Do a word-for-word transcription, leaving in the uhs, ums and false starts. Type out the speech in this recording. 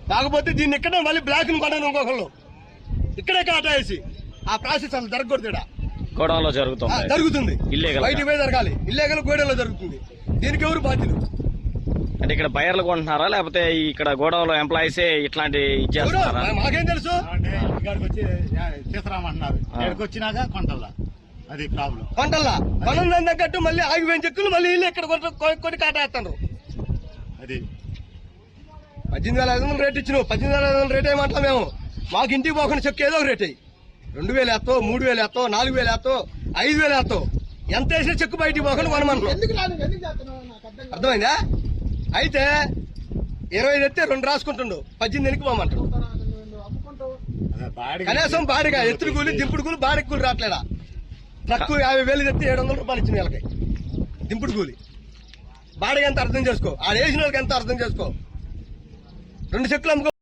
కాకపోతే దీన్ని ఇక్కడే మళ్ళీ బ్లాక్ ని కొనను ఇంకొకళ్ళు ఇక్కడే కాటా వేసి ఆ ప్రాసెస్ అసలు జరగకూడదు ఇక్కడ గోడౌన్లో జరుగుతుంది జరుగుతుంది ఇల్లీగల్ బయటికి పోయి జరగాలి ఇల్లీగల్ గోడౌన్లో జరుగుతుంది దీనికి ఎవరు బాధ్యులు అంటే ఇక్కడ బయర్లు కొంటున్నారా లేకపోతే ఇక్కడ గోడౌన్లో ఎంప్లాయీసే ఇట్లాంటి ఇచ్చేస్తున్నారా మాకేం తెలుసు ఇక్కడికి వచ్చి తీసుకురామంటున్నారు ఇక్కడికి వచ్చినాక కొంటల్లా అది ప్రాబ్లం కొంటల్లా కొనం తగ్గట్టు మళ్ళీ ఆగిపోయిన చెక్కులు మళ్ళీ ఇల్లు ఇక్కడ కొన్ని కాటేస్తున్నారు అది పద్దెనిమిది వేల ఐదు వందలు రేట్ ఇచ్చినావు పద్దెనిమిది వేల ఐదు వందలు రేట్ ఏమంటాం మేము మాకు ఇంటికి పోకుండా చెక్కు ఏదో ఒక రేట్ అయ్యి రెండు వేలు వేస్తావు మూడు వేలు వేస్తావు నాలుగు వేలు వేస్తావు ఐదు వేలు వేస్తావు ఎంత వేసినా చెక్కు బయటికి పోకుండా కొనమంటున్నాం అర్థమైందా అయితే ఇరవై ఐదు ఎత్తే రెండు రాసుకుంటుండు పద్దెనిమిది ఎనికి పోమంటాడు కనీసం బాడిగా ఎత్తుడు కూలి దింపుడు కూలి బాడికి కూలి రావట్లేదా ట్రక్కు యాభై వేలు తెస్తే ఏడు వందల రూపాయలు ఇచ్చింది వీళ్ళకి దింపుడు కూలి బాడిగా ఎంత అర్థం చేసుకో ఆడ వేసిన వాళ్ళకి ఎంత అర్థం చేసుకో రెండు చెక్కులు అమ్ముకో